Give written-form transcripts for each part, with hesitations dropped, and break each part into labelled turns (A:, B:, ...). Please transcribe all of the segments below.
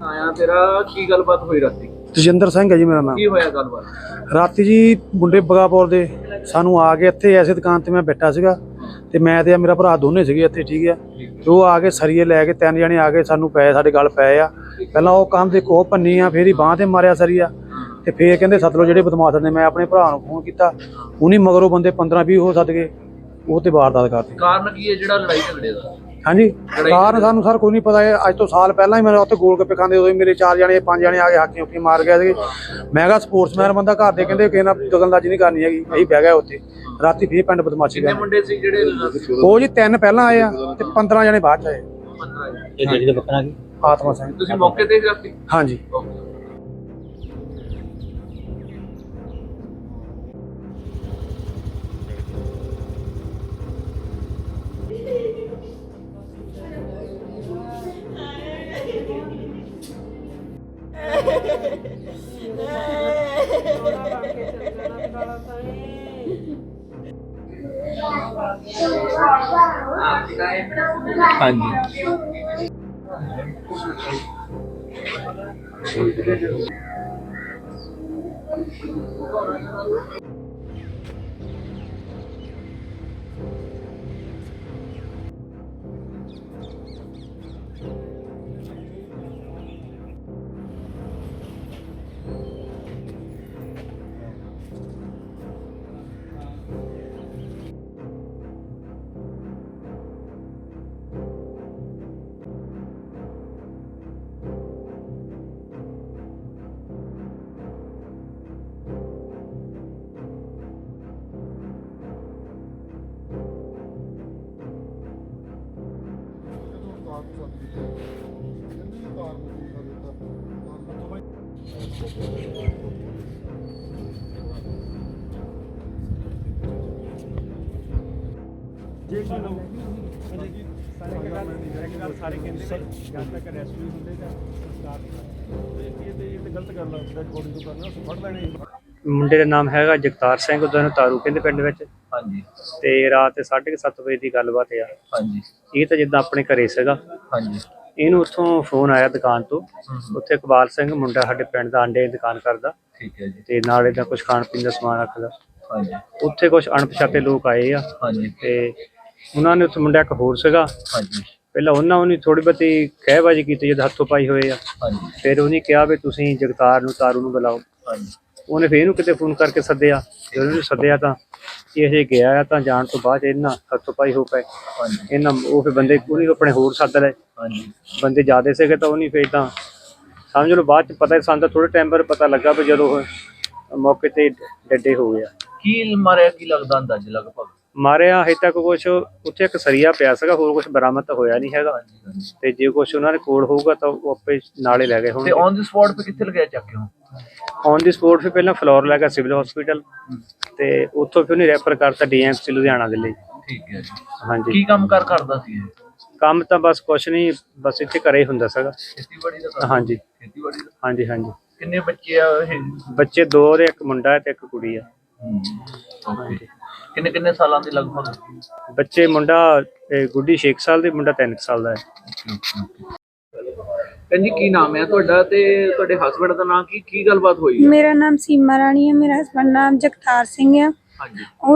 A: ਆਇਆ ਤੇਰਾ ਕੀ ਗੱਲਬਾਤ ਹੋਈ ਰਾਤੀ?
B: ਤਜਿੰਦਰ ਸਿੰਘ ਹੈ ਜੀ ਮੇਰਾ ਨਾਮ।
A: ਕੀ ਹੋਇਆ ਗੱਲਬਾਤ
B: ਰਾਤੀ ਜੀ ਮੁੰਡੇ ਬਗਾਪੁਰ ਦੇ ਸਾਨੂੰ ਆ ਕੇ ਇੱਥੇ ਐਸੇ ਦੁਕਾਨ ਤੇ ਮੈਂ ਬੈਠਾ ਸੀਗਾ ਤੇ ਮੈਂ ਤੇ ਮੇਰਾ ਭਰਾ ਦੋਨੇ ਸੀਗੇ ਇੱਥੇ, ਠੀਕ ਹੈ। ਤੇ ਉਹ ਆ ਕੇ ਸਰੀਏ ਲੈ ਕੇ 3 ਜਣੇ ਆ ਕੇ ਸਾਨੂੰ ਪਏ, ਸਾਡੇ ਗਲ ਪਏ ਆ। ਪਹਿਲਾਂ ਉਹ ਕੰਮ ਦੇ ਕੋਹ ਪੰਨੀ ਆ, ਫੇਰ ਹੀ ਬਾਂਹ ਤੇ ਮਾਰਿਆ ਸਰੀਆ, ਤੇ ਫੇਰ ਕਹਿੰਦੇ ਸੱਦ ਲਓ ਜਿਹੜੇ ਬਦਮਾਸ਼ ਨੇ। ਮੈਂ ਆਪਣੇ ਭਰਾ ਨੂੰ ਫੋਨ ਕੀਤਾ, ਉਹਨੀ ਮਗਰੋਂ ਬੰਦੇ 15-20 ਹੋ ਸੱਦ ਗਏ, ਉਹ ਤੇ ਵਾਰਦਾਤ ਕਰਤੀ।
A: ਕਾਰਨ ਕੀ ਹੈ ਜਿਹੜਾ ਲੜਾਈ ਝਗੜੇ ਦਾ?
B: ਹਾਂਜੀ, ਕਾਰਨ ਸਾਨੂੰ ਸਰ ਕੋਈ ਨਹੀਂ ਪਤਾ ਹੈ। ਅੱਜ ਤੋਂ ਸਾਲ ਪਹਿਲਾਂ ਹੀ ਮੈਂ ਉੱਥੇ ਗੋਲ ਗੱਪੇ ਖਾਂਦੇ, ਉਦੋਂ ਮੇਰੇ 4 ਜਣੇ 5 ਜਣੇ ਆ ਕੇ ਹਾਕੀ ਹੁਕੀ ਮਾਰ ਗਏ ਸੀ। ਮੈਂ ਕਿਹਾ ਸਪੋਰਟਸਮੈਨ ਬੰਦਾ, ਘਰ ਦੇ ਕਹਿੰਦੇ ਕਿਸੇ ਨਾਲ ਦਖਲਅੰਦਾਜ਼ੀ ਨਹੀਂ ਕਰਨੀ ਹੈਗੀ। ਅਸੀਂ ਬਹਿ ਗਏ ਉੱਥੇ ਰਾਤੀ, ਫੇਰ ਪਿੰਡ ਬਦਮਾਸ਼ੀ।
A: ਕਿੰਨੇ ਮੁੰਡੇ ਸੀ ਜਿਹੜੇ?
B: ਉਹ ਜੀ 3 ਪਹਿਲਾਂ ਆਏ ਆ ਤੇ 15 ਜਣੇ ਬਾਅਦ ਚ ਆਏ।
A: 15
C: ਇਹ ਜਿਹੜੀ ਦਾ ਬੱਕਰਾ ਕੀ
B: ਆਤਮਾ ਸਿੰਘ।
A: ਤੁਸੀਂ ਮੌਕੇ ਤੇ ਸੀ ਰਾਤੀ?
B: ਹਾਂਜੀ। ਸਾਰੇ ਕਹਿੰਦੇ ਜਦ ਤੱਕ ਰੈਸਕਿਊ ਹੁੰਦੇ ਤਾਂ ਇਹ ਗਲਤ ਗੱਲ ਹੈ, ਕੋਡੀ ਤੋਂ ਕਰਨਾ ਫੜ ਲੈਣੇ।
C: ਮੁੰਡੇ ਦਾ ਨਾਮ ਹੈਗਾ ਜਗਤਾਰ ਸਿੰਘ, ਉਹਦਾ ਤਾਰੂ ਕਹਿੰਦੇ ਪਿੰਡ ਵਿੱਚ।
A: ਹਾਂਜੀ।
C: ਤੇ ਰਾਤ 7:30 ਵਜੇ ਦੀ ਗੱਲਬਾਤ ਆ।
A: ਹਾਂਜੀ।
C: ਇਹ ਤਾਂ ਜਿੱਦਾਂ ਆਪਣੇ ਘਰੇ ਸੀਗਾ।
A: ਹਾਂਜੀ।
C: ਇਹਨੂੰ ਉੱਥੋਂ ਫੋਨ ਆਇਆ ਦੁਕਾਨ ਤੋਂ। ਉੱਥੇ ਇਕਬਾਲ ਸਿੰਘ ਮੁੰਡਾ ਸਾਡੇ ਪਿੰਡ ਦਾ ਅੰਡੇ ਦੀ ਦੁਕਾਨ ਕਰਦਾ।
A: ਠੀਕ ਹੈ ਜੀ।
C: ਤੇ ਨਾਲ ਇਹਦਾ ਕੁਝ ਖਾਣ ਪੀਣ ਦਾ ਸਮਾਨ ਰੱਖਦਾ।
A: ਹਾਂਜੀ।
C: ਉੱਥੇ ਕੁਝ ਅਣਪਛਾਤੇ ਲੋਕ ਆਏ ਆ।
A: ਹਾਂਜੀ।
C: ਤੇ ਉਹਨਾਂ ਨੇ ਉੱਥੇ ਮੁੰਡਾ ਇੱਕ ਹੋਰ ਸੀਗਾ।
A: ਹਾਂਜੀ।
C: ਪਹਿਲਾਂ ਉਹਨੇ ਥੋੜੀ ਬਹੁਤੀ ਕਹਿਬਾਜੀ ਕੀਤੀ ਜਦ ਹੱਥੋਂ ਪਾਈ ਹੋਏ ਆ।
A: ਹਾਂਜੀ।
C: ਫਿਰ ਉਹਨੇ ਕਿਹਾ ਵੀ ਤੁਸੀਂ ਜਗਤਾਰ ਨੂੰ ਤਾਰੂ ਨੂੰ ਬੁਲਾਓ।
A: ਹਾਂਜੀ।
C: ਉਹਨੇ ਫਿਰ ਇਹਨੂੰ ਕਿਤੇ ਫੋਨ ਕਰਕੇ ਸੱਦਿਆ। ਜਦੋਂ ਉਹਨੂੰ ਸੱਦਿਆ ਤਾਂ ਇਹ ਹਜੇ ਗਿਆ ਆ, ਤਾਂ ਜਾਣ ਤੋਂ ਬਾਅਦ ਇਹਨਾਂ ਹੱਥੋਂ ਪਾਈ ਹੋ ਪਏ। ਇਹਨਾਂ ਉਹ ਫਿਰ ਬੰਦੇ ਉਹਨੇ ਆਪਣੇ ਹੋਰ ਸੱਦ ਲਏ।
A: ਹਾਂਜੀ।
C: ਬੰਦੇ ਜ਼ਿਆਦਾ ਸੀਗੇ ਤਾਂ ਉਹਨੇ ਫਿਰ ਤਾਂ ਸਮਝ ਲਓ ਬਾਅਦ ਚ ਪਤਾ ਸਾਨੂੰ ਤਾਂ ਥੋੜੇ ਟਾਈਮ ਬਾਅਦ ਪਤਾ ਲੱਗਾ ਵੀ ਜਦੋਂ ਉਹ ਮੌਕੇ ਤੇ ਡੱਡੇ ਹੋ ਗਿਆ।
A: ਕੀ ਮਾਰਿਆ ਕੀ ਲੱਗਦਾ ਅੰਦਾਜ਼ੇ ਲਗਭਗ?
C: ਮਾਰਿਆ ਹਜੇ ਤੱਕ ਕੁਛ ਉੱਥੇ ਇੱਕ ਸਰੀਆ ਪਿਆ ਸੀਗਾ, ਹੋਰ ਕੁਛ ਬਰਾਮਦ ਤਾਂ ਹੋਇਆ ਨਹੀਂ ਹੈਗਾ। ਤੇ ਜੇ ਕੁਛ ਉਹਨਾਂ ਦੇ ਕੋਲ ਹੋਊਗਾ ਤਾਂ ਉਹ ਆਪੇ ਨਾਲੇ ਲੈ ਗਏ ਹੁਣ।
A: ਤੇ ਔਨ ਦੀ ਸਪੌਟ ਤੇ ਕਿੱਥੇ ਲਗਾਇਆ ਚੱਕ ਕੇ?
C: ਔਨ ਦੀ ਸਪੋਰਟ ਫਿਰ ਪਹਿਲਾਂ ਫਲੋਰ ਲੈ ਗਿਆ ਸਿਵਲ ਹਸਪੀਟਲ, ਤੇ ਉੱਥੋਂ ਫਿਰ ਉਹਨੇ ਰੈਫਰ ਕਰਤਾ DMC ਲੁਧਿਆਣਾ ਦੇ ਲਈ।
A: ਠੀਕ ਹੈ ਜੀ।
C: ਹਾਂਜੀ।
A: ਕੀ ਕੰਮ ਕਰਦਾ ਸੀ ਇਹ?
C: ਕੰਮ ਤਾਂ ਬਸ ਕੁਛ ਨਹੀਂ, ਬਸ ਇੱਥੇ ਘਰੇ ਹੀ ਹੁੰਦਾ ਸੀਗਾ।
A: ਖੇਤੀਬਾੜੀ ਦਾ?
C: ਹਾਂਜੀ।
A: ਖੇਤੀਬਾੜੀ ਦਾ?
C: ਹਾਂਜੀ ਹਾਂਜੀ।
A: ਕਿੰਨੇ ਬੱਚੇ ਆ ਇਹ?
C: ਬੱਚੇ 2 ਨੇ, ਇੱਕ ਮੁੰਡਾ ਤੇ ਇੱਕ ਕੁੜੀ ਆ।
A: ਕਿੰਨੇ ਕਿੰਨੇ ਸਾਲਾਂ ਦੇ ਲਗਭਗ
C: ਬੱਚੇ? ਮੁੰਡਾ ਗੁੱਡੀ 6 ਸਾਲ ਦੀ, ਮੁੰਡਾ 3 ਸਾਲ ਦਾ ਹੈ।
A: ਜੀ ਕੀ ਨਾਮ ਹੈ ਤੁਹਾਡਾ ਤੇ ਤੁਹਾਡੇ ਹਸਬੰਡ ਦਾ ਨਾਮ ਕੀ ਗੱਲਬਾਤ ਹੋਈ?
D: ਮੇਰਾ ਨਾਮ ਸੀਮਾ ਰਾਣੀ ਹੈ, ਮੇਰਾ ਹਸਬੰਡ ਨਾਮ ਜਗਤਾਰ ਸਿੰਘ ਹੈ।
A: ਹਾਂਜੀ।
D: ਉਹ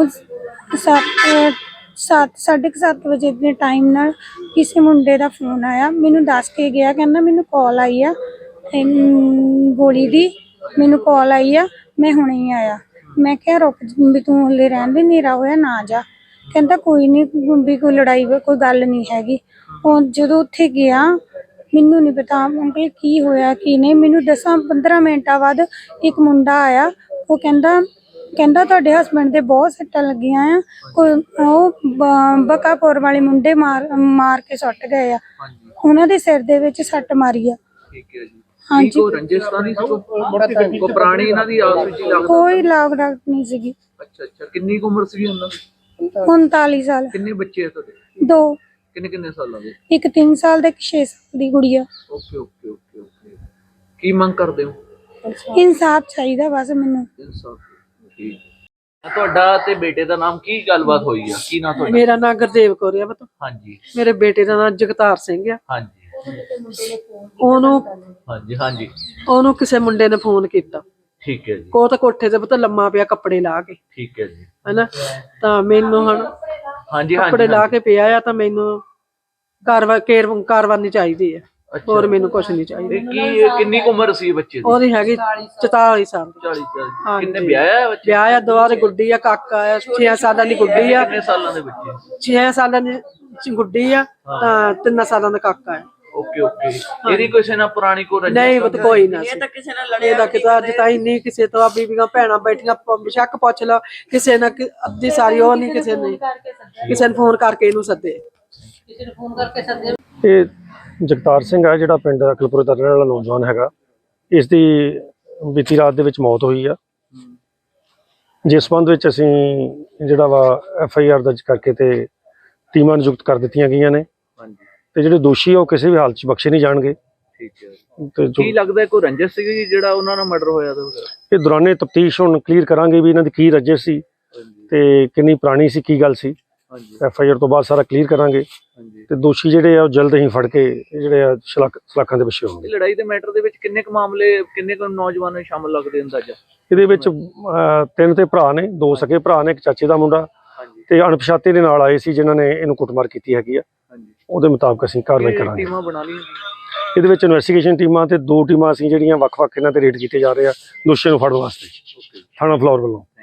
D: 7:30 ਵਜੇ ਦੇ ਟਾਈਮ ਨਾਲ ਕਿਸੇ ਮੁੰਡੇ ਦਾ ਫੋਨ ਆਇਆ, ਮੈਨੂੰ ਦੱਸ ਕੇ ਗਿਆ, ਕਹਿੰਦਾ ਮੈਨੂੰ ਕਾਲ ਆਈ ਆ ਗੋਲੀ ਦੀ, ਮੈਨੂੰ ਕਾਲ ਆਈ ਆ, ਮੈਂ ਹੁਣੇ ਹੀ ਆਇਆ। ਮੈਂ ਕਿਹਾ ਰੁਕ ਵੀ ਤੂੰ ਹਲੇ ਰਹਿਣ ਦੇ, ਹਨੇਰਾ ਹੋਇਆ ਨਾ ਜਾ। ਕਹਿੰਦਾ ਕੋਈ ਨਹੀਂ ਵੀ ਕੋਈ ਲੜਾਈ ਕੋਈ ਗੱਲ ਨਹੀਂ ਹੈਗੀ। ਉਹ ਜਦੋਂ ਉੱਥੇ ਗਿਆ ਮੈਨੂੰ ਨਹੀਂ ਪਤਾ ਅੰਕਲ ਕੀ ਹੋਇਆ ਕੀ ਨਹੀਂ। ਮੈਨੂੰ 10-15 ਮਿੰਟਾਂ ਬਾਅਦ ਇੱਕ ਮੁੰਡਾ ਆਇਆ, ਉਹ ਕਹਿੰਦਾ ਤੁਹਾਡੇ ਹਸਬੈਂਡ ਦੇ ਬਹੁਤ ਸੱਟਾਂ ਲੱਗੀਆਂ ਆ, ਉਹ ਬਕਾਪੁਰ ਵਾਲੇ ਮੁੰਡੇ ਮਾਰ ਕੇ ਸੁੱਟ ਗਏ ਆ, ਉਹਨਾਂ ਦੇ ਸਿਰ ਦੇ ਵਿੱਚ ਸੱਟ ਮਾਰੀ ਆ।
A: ਠੀਕ ਹੈ ਜੀ।
D: ਹਾਂਜੀ।
A: ਕੋਈ ਰੰਜਿਸ਼ਤਾਨੀ ਸੀ ਕੋਈ ਪੁਰਾਣੀ ਇਹਨਾਂ ਦੀ ਆਪਸ ਵਿੱਚ ਲੱਗਦਾ?
D: ਕੋਈ ਲਾਗ ਡਾਕ ਨਹੀਂ ਸੀਗੀ।
A: ਅੱਛਾ ਅੱਛਾ। ਕਿੰਨੀ ਉਮਰ ਸੀ ਉਹਨਾਂ ਦੀ?
D: 39 ਸਾਲ।
A: ਕਿੰਨੇ ਬੱਚੇ ਆ ਤੁਹਾਡੇ?
D: 2।
A: ਕਿੰਨੇ ਕਿੰਨੇ ਸਾਲਾਂ ਦੇ?
D: ਇੱਕ 3 ਸਾਲ ਦਾ, ਇੱਕ 6 ਸਾਲ ਦੀ ਗੁੜੀਆ।
A: Okay okay okay okay. ਕੀ ਮੰਗ ਕਰਦੇ ਹੋ?
D: ਇਨਸਾਫ ਚਾਹੀਦਾ ਬਸ ਮੈਨੂੰ।
A: ਇਨਸਾਫ। ਠੀਕ। ਤੁਹਾਡਾ ਤੇ ਬੇਟੇ ਦਾ ਨਾਮ ਕੀ ਗੱਲਬਾਤ ਹੋਈ ਆ? ਕੀ ਨਾਮ ਤੁਹਾਡਾ?
E: ਮੇਰਾ ਨਾਮ ਗੁਰਦੇਵ ਕੌਰ ਆ ਪੁੱਤ।
A: ਹਾਂਜੀ।
E: ਮੇਰੇ ਬੇਟੇ ਦਾ ਨਾਮ ਜਗਤਾਰ ਸਿੰਘ ਆ।
A: ਹਾਂਜੀ।
E: ਉਹਨੂੰ
A: ਹਾਂਜੀ ਹਾਂਜੀ
E: ਉਹਨੂੰ ਕਿਸੇ ਮੁੰਡੇ ਨੇ ਫੋਨ ਕੀਤਾ,
A: ਠੀਕ ਹੈ ਜੀ
E: ਕੋ ਤਾਂ ਕੋਠੇ ਤੇ ਪਤਾ ਲੰਮਾ ਪਿਆ ਕੱਪੜੇ ਲਾ ਕੇ,
A: ਠੀਕ ਹੈ ਜੀ
E: ਹਨਾ। ਤਾਂ ਮੈਨੂੰ ਹੁਣ
A: ਹਾਂਜੀ
E: ਕੱਪੜੇ
A: ਹਾਂਜੀ
E: ਲਾ ਕੇ ਪਿਆ ਆ, ਤਾਂ ਮੈਨੂੰ ਕਾਰਵਾਈ ਚਾਹੀਦੀ ਹੈ, ਹੋਰ ਮੈਨੂੰ ਕੁਝ ਨਹੀਂ ਚਾਹੀਦਾ।
A: ਇਹ ਕਿੰਨੀ ਕੁ ਉਮਰ ਸੀ ਬੱਚੇ ਦੀ?
E: ਉਹਦੀ ਹੈਗੀ 44 ਸਾਲ ਦੀ।
A: 40 ਕਿੰਨੇ ਵਿਆਹਿਆ ਹੈ ਬੱਚੇ?
E: ਵਿਆਹ ਆ, ਦੁਆਰੇ ਗੁੱਡੀ ਆ, ਕਾਕਾ ਆ, 6 ਸਾਲਾਂ ਦੀ ਗੁੱਡੀ ਆ।
A: ਕਿੰਨੇ ਸਾਲਾਂ ਦੇ ਬੱਚੇ?
E: 6 ਸਾਲਾਂ ਦੀ ਗੁੱਡੀ ਆ, ਤਾਂ 3 ਸਾਲਾਂ ਦਾ ਕਾਕਾ ਹੈ।
A: Okay okay. ਇਹਦੀ ਕਿਸੇ ਨਾਲ ਪੁਰਾਣੀ ਕੋ ਰੰਜਿਸ਼?
E: ਨਹੀਂ ਉਹ ਤਾਂ ਕੋਈ ਨਾ, ਇਹ ਤਾਂ ਕਿਸੇ ਨਾਲ ਲੜਿਆ, ਇਹਦਾ ਕਿਤਾ ਅੱਜ ਤਾਈਂ ਨਹੀਂ ਕਿਸੇ ਤੋਂ, ਬੀਬੀਆਂ ਭੈਣਾਂ ਬੈਠੀਆਂ ਸ਼ੱਕ ਪੁੱਛ ਲਓ ਕਿਸੇ ਨਾਲ, ਅੱਧੀ ਸਾਰੀ ਉਹ ਨਹੀਂ ਕਿਸੇ ਨੇ ਫੋਨ ਕਰਕੇ ਇਹਨੂੰ ਸੱਦੇ।
F: ਇਹ ਜਗਤਾਰ ਸਿੰਘ ਹੈ ਜਿਹੜਾ ਪਿੰਡ ਅਕਲਪੁਰ ਦਾ ਰਹਿਣ ਵਾਲਾ ਨੌਜਵਾਨ ਹੈਗਾ। ਇਸ ਦੀ ਬੀਤੀ ਰਾਤ ਦੇ ਵਿੱਚ ਮੌਤ ਹੋਈ ਆ, ਜਿਸ ਸੰਬੰਧ ਵਿੱਚ ਅਸੀਂ ਜਿਹੜਾ ਵਾ FIR ਦਰਜ ਕਰਕੇ ਤੇ ਟੀਮਾਂ ਨਿਯੁਕਤ ਕਰ ਦਿੱਤੀਆਂ ਗਈਆਂ ਨੇ, ਤੇ ਜਿਹੜੇ ਦੋਸ਼ੀ ਆ ਉਹ ਕਿਸੇ ਵੀ ਹਾਲਤ 'ਚ ਬਖਸ਼ੇ ਨਹੀਂ ਜਾਣਗੇ।
A: ਠੀਕ ਹੈ।
F: ਤੇ
A: ਕੀ ਲੱਗਦਾ ਕੋਈ ਰੰਜਿਸ਼ ਸੀਗੀ ਜਿਹੜਾ ਉਹਨਾਂ ਨਾਲ ਮਰਡਰ ਹੋਇਆ ਤਾਂ?
F: ਇਹ ਦੌਰਾਨੇ ਤਫਤੀਸ਼ ਹੁਣ ਕਲੀਅਰ ਕਰਾਂਗੇ ਵੀ ਇਹਨਾਂ ਦੀ ਕੀ ਰੰਜਿਸ਼ ਸੀ ਤੇ ਕਿੰਨੀ ਪੁਰਾਣੀ ਸੀ, ਕੀ ਗੱਲ ਸੀ। FIR ਤੋਂ ਬਾਅਦ ਸਾਰਾ ਕਲੀਅਰ ਕਰਾਂਗੇ ਤੇ ਦੋਸ਼ੀ ਜਿਹੜੇ ਆ ਉਹ ਜਲਦ ਹੀ ਫੜ ਕੇ ਜਿਹੜੇ ਆ ਸਲਾਖਾਂ ਦੇ ਪਿੱਛੇ ਹੋਣਗੇ।
A: ਲੜਾਈ ਦੇ ਮੈਟਰ ਦੇ ਵਿੱਚ ਕਿੰਨੇ ਕੁ ਮਾਮਲੇ, ਕਿੰਨੇ ਕੁ ਨੌਜਵਾਨ ਸ਼ਾਮਲ ਲੱਗਦੇ ਅੰਦਾਜ਼ਾ?
F: ਇਹਦੇ ਵਿੱਚ 3 ਤੇ ਭਰਾ ਨੇ, 2 ਸਕੇ ਭਰਾ ਨੇ, ਇੱਕ ਚਾਚੇ ਦਾ ਮੁੰਡਾ ਤੇ ਅਣਪਛਾਤੇ ਦੇ ਨਾਲ ਆਏ ਸੀ ਜਿਨ੍ਹਾਂ ਨੇ ਇਹਨੂੰ ਕੁੱਟਮਾਰ ਕੀਤੀ ਹੈਗੀ ਆ। ਉਹਦੇ ਮੁਤਾਬਕ ਅਸੀਂ ਕਾਰਵਾਈ ਕਰਾਂਗੇ।
A: ਟੀਮਾਂ ਬਣਾ ਲਈਆਂ
F: ਇਹਦੇ ਵਿੱਚ ਇਨਵੈਸਟੀਗੇਸ਼ਨ ਟੀਮਾਂ ਤੇ 2 ਟੀਮਾਂ ਅਸੀਂ ਜਿਹੜੀਆਂ ਵੱਖ-ਵੱਖ ਇਹਨਾਂ ਤੇ ਰੇਡ ਕੀਤੇ ਜਾ ਰਹੇ ਆ ਦੋਸ਼ੀਆਂ ਨੂੰ ਫੜਨ ਵਾਸਤੇ ਥਾਣਾ ਫਲੋਰ ਵੱਲੋਂ।